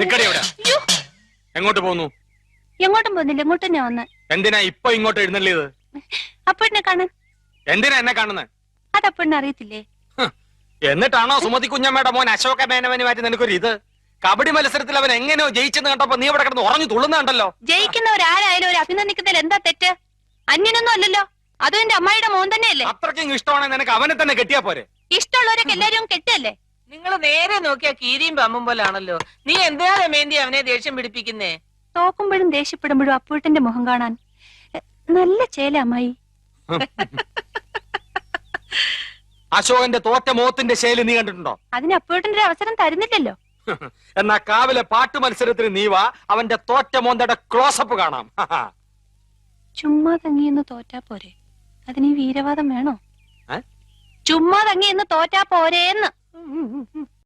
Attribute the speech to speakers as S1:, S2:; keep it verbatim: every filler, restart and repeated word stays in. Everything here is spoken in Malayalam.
S1: നിക്കടി എവിടെ? എങ്ങോട്ട് പോന്നു?
S2: എങ്ങോട്ടും പോകുന്നില്ല, ഇങ്ങോട്ട് തന്നെ വന്ന്.
S1: എന്തിനാ ഇപ്പൊ ഇങ്ങോട്ട് എഴുന്നള്ളിയത്?
S2: അപ്പഴിനെ കാണാൻ.
S1: എന്തിനാ എന്നെ കാണുന്നത്?
S2: അതപ്പഴിനെ അറിയത്തില്ലേ?
S1: എന്നിട്ടാണോ സുമതി കുഞ്ഞമ്മയുടെ മോൻ അശോക മേനവന് മാറ്റി നിനക്കൊരു ഇത്? കബഡി മത്സരത്തിൽ അവൻ എങ്ങനെയോ ജയിച്ചെന്ന് കണ്ടപ്പോ നീ ഇവിടെ കിടന്ന് ഉറഞ്ഞു തുള്ളുന്നുണ്ടല്ലോ.
S2: ജയിക്കുന്നവരാരായാലും ഒരു അഭിനന്ദിക്കുന്നതിൽ എന്താ തെറ്റ്? അന്യനൊന്നും അല്ലല്ലോ, അതും എന്റെ അമ്മായിയുടെ മോൻ തന്നെയല്ലേ.
S1: അത്രയ്ക്കും ഇഷ്ടമാണെങ്കിൽ നിനക്ക് അവനെ തന്നെ കെട്ടിയാ പോരെ?
S2: ഇഷ്ടമുള്ളവരൊക്കെ എല്ലാരും കെട്ടല്ലേ?
S3: നിങ്ങൾ നേരെ നോക്കിയാ കീരിയും പമ്പും പോലാണല്ലോ. നീ എന്തിനാ രമേന്തി അവനെ ദേഷ്യം പിടിപ്പിക്കുന്നേ?
S2: തോക്കുമ്പോഴും ദേഷ്യപ്പെടുമ്പോഴും അപ്പൂട്ടന്റെ മുഖം കാണാൻ നല്ല ചേല അമ്മായി.
S1: അശോകന്റെ തോറ്റ മോത്തിന്റെ ശൈലി നീ കണ്ടിട്ടുണ്ടോ?
S2: അതിന് അപ്പൂട്ടന്റെ ഒരു അവസരം തരുന്നില്ലല്ലോ.
S1: എന്നാ കാവിലെ പാട്ട് മത്സരത്തിന് നീ വാ, അവന്റെ തോറ്റ മോന്തയുടെ ക്ലോസപ്പ് കാണാം.
S2: ചുമ്മാ തങ്ങിയെന്ന് തോറ്റാ പോരെ, അതിന് ഈ വീരവാദം വേണോ?
S1: ഏ?
S2: ചുമ്മാ തങ്ങിയെന്ന് തോറ്റാ പോരേന്ന്.